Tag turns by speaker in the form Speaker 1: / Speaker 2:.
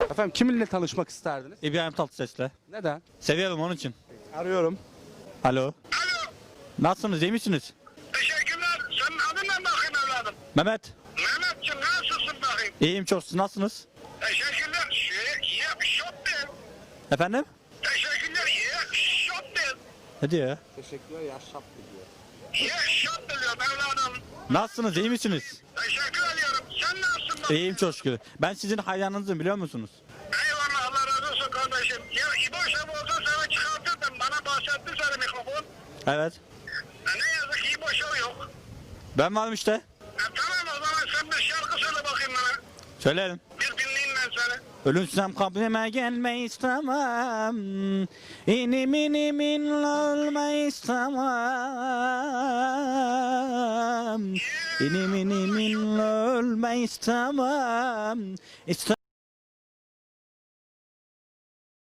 Speaker 1: Efendim kiminle tanışmak isterdiniz?
Speaker 2: İbrahim Tatlıses'le.
Speaker 1: Neden?
Speaker 2: Seviyorum onun için.
Speaker 1: Arıyorum.
Speaker 2: Alo.
Speaker 3: Alo.
Speaker 2: Nasılsınız? İyi misiniz?
Speaker 3: Teşekkürler. Senin adın ne bakayım evladım?
Speaker 2: Mehmet.
Speaker 3: Mehmetciğim nasılsın bakayım?
Speaker 2: İyiyim çok. Siz nasılsınız?
Speaker 3: Teşekkürler. Şop değil.
Speaker 2: Efendim?
Speaker 3: Teşekkürler. Şop değil.
Speaker 2: Ne diyor ya?
Speaker 1: Teşekkürler yaşap diyor.
Speaker 3: Şop diyorum evladım.
Speaker 2: Nasılsınız? İyi misiniz?
Speaker 3: Teşekkür ediyorum. Sen nasılsın bakayım?
Speaker 2: İyiyim çok şükür. Ben sizin hayranınızım biliyor musunuz?
Speaker 3: Eyvallah Allah razı olsun kardeşim. Ya İbo Şef olsa seni çıkartırdım. Bana bahsetti seni mikrofon.
Speaker 2: Evet.
Speaker 3: Ne yazık ki İbo Şef yok.
Speaker 2: Ben varım işte.
Speaker 3: Tamam o zaman sen bir şarkı söyle bakayım bana.
Speaker 2: Söylerim.
Speaker 3: Bir dinleyeyim ben seni.
Speaker 2: Ölürsem kabrime gelme istemem. İnim inim in ölme istemem. İnim inim in ölme istemem.